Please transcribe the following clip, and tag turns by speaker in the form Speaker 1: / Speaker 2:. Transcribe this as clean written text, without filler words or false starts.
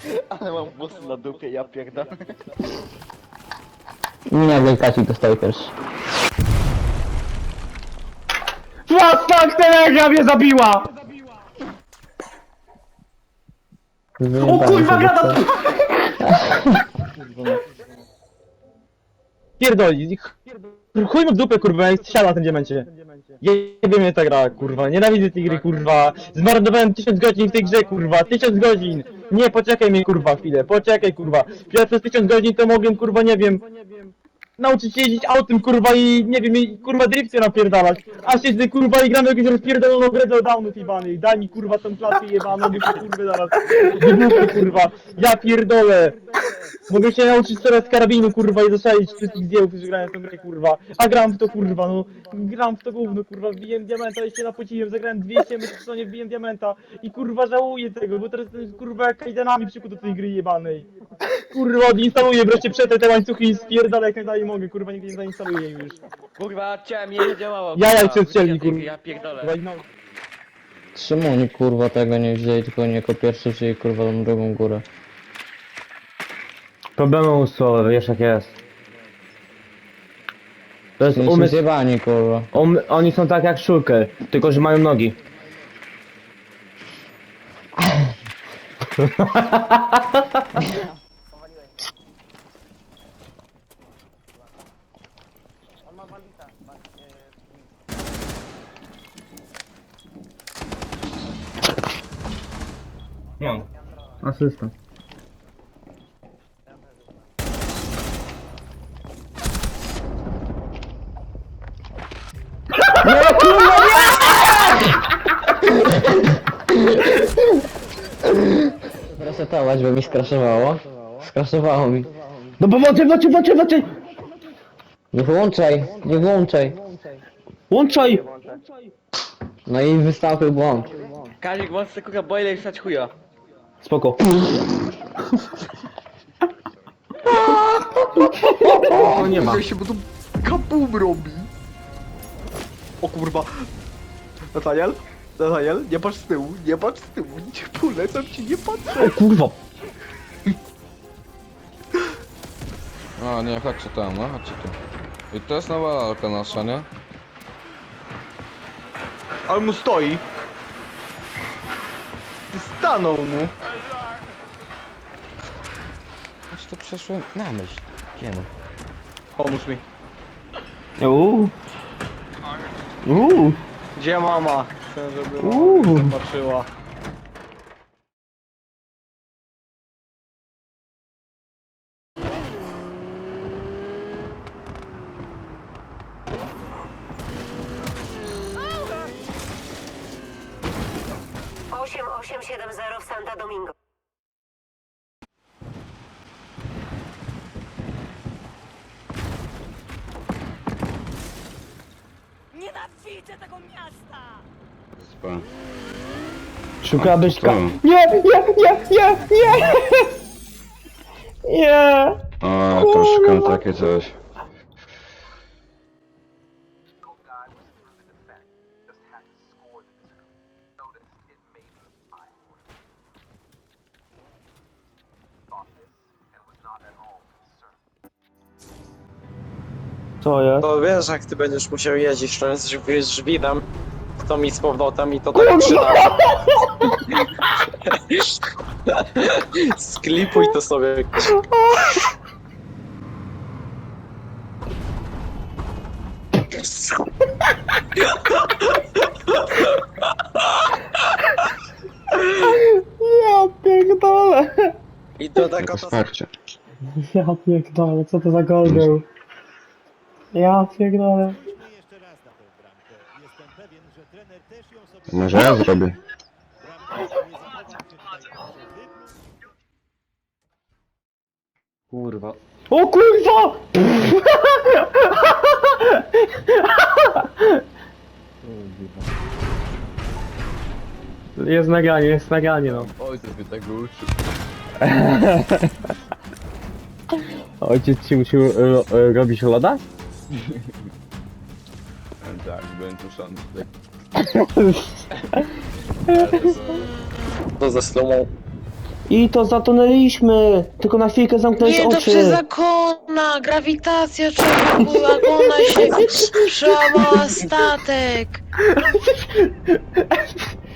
Speaker 1: Ale mam włosy na dupie, ja pierdolę.
Speaker 2: Nie, wielkaci dostał pierwszy.
Speaker 3: What fuck, telegra mnie zabiła! O kurwa, gada! Pierdoli, chuj mu w dupę, kurwa, jak siada na tym diamencie. Jebie mnie ta gra, kurwa, nienawidzę tej gry, kurwa. Zmarnowałem 1000 godzin w tej grze, kurwa, 1000 godzin! Nie, poczekaj mnie, kurwa, chwilę, poczekaj, kurwa. Ja przez 1000 godzin to mogłem, kurwa, nie wiem, nauczyć się jeździć autem, kurwa, i nie wiem, i kurwa drifty napierdalać. A siedzę, kurwa, i gram jakąś rozpierdoloną grę do downów jebanej. Daj mi, kurwa, tą klatkę jebaną, bo się, kurwa, zaraz wybuchnę, kurwa. Ja pierdolę. Mogę się nauczyć teraz karabinu, kurwa, i zastrzelić wszystkich zdjęłów, którzy grają w tę grę, kurwa. A gram w to, kurwa, no. Gram w to gówno, kurwa, wbiłem diamenta, jeszcze napociłem, zagrałem 200 metrów w stronie, wbiłem diamenta. I, kurwa, żałuję tego, bo teraz jestem, kurwa, jak kajdanami przykuł do tej gry jebanej. Kurwa, odinstaluję wreszcie przetrę te łańcuchy i spierdolę jak najdalej mogę, kurwa, nigdy nie zainstaluję już.
Speaker 1: Kurwa, chciałem, nie działało.
Speaker 2: Jaja
Speaker 1: kurwa,
Speaker 2: cię strzeli,
Speaker 1: wysiadaj,
Speaker 2: kurwa.
Speaker 1: Ja pierdolę.
Speaker 2: Kurwa, i no.
Speaker 4: Czemu oni kurwa tego nie wzięli, tylko nie jako pierwszy wzięli kurwa tą drugą górę?
Speaker 3: Problemy umysłowe, wiesz jak jest. To jest
Speaker 4: Oni są
Speaker 3: umysł...
Speaker 4: zjebani kurwa.
Speaker 3: Oni są tak jak Shulker, tylko że mają nogi. Nie. Asysta.
Speaker 4: Resetować, bo mi skraszowało. Skraszowało mi.
Speaker 3: No pomocy, włączaj!
Speaker 4: Nie włączaj, nie włączaj.
Speaker 3: Łączaj!
Speaker 4: No i wystąpił błąd.
Speaker 1: Kazik, włącz sobie kurwa boiler i wstać chuja.
Speaker 3: Spoko. O, nie ma.
Speaker 1: się, bo tu kabum robi. O kurwa. Nathaniel, nie patrz z tyłu, nie patrz z tyłu, nie polecam ci, nie patrzę.
Speaker 3: O kurwa.
Speaker 5: A nie, chodźcie tam, no chodźcie tu. I to jest nowa lalka nasza, nie?
Speaker 1: Ale mu stoi. Ty stanął mu.
Speaker 5: Aż to przeszłem na myśl. Wiemy.
Speaker 1: Pomóż mi. Gdzie mama? Chcę, żeby mama zobaczyła.
Speaker 6: Osiem 870 w Santa Domingo.
Speaker 7: Nienawidzę tego miasta!
Speaker 3: Szukałabyś ka...
Speaker 8: Co?
Speaker 3: Nie! Nie!
Speaker 8: O, to szukam takie coś.
Speaker 3: Co jest?
Speaker 9: To wiesz, jak ty będziesz musiał jeździć z żwirem, to mi z powrotem i to tak przyda. Sklipuj to sobie.
Speaker 3: Ja pierdolę!
Speaker 9: I to taka
Speaker 8: Jako
Speaker 9: to
Speaker 8: wsparcie.
Speaker 3: Ja pierdolę, co to za gol był? Ja pierdolę.
Speaker 8: Może ja zrobię.
Speaker 1: Kurwa.
Speaker 3: O kurwa! Jest nagranie, no.
Speaker 5: Ojciec mnie tego uczył.
Speaker 3: Ojciec ci musiał robić loda?
Speaker 5: Tak, byłem tuszony.
Speaker 9: to ze slumą.
Speaker 10: I to zatonęliśmy! Tylko na chwilkę zamknąć
Speaker 7: Nie, to
Speaker 10: oczy!
Speaker 7: przez zakona, grawitacja człowieku, zakona się przełamała statek.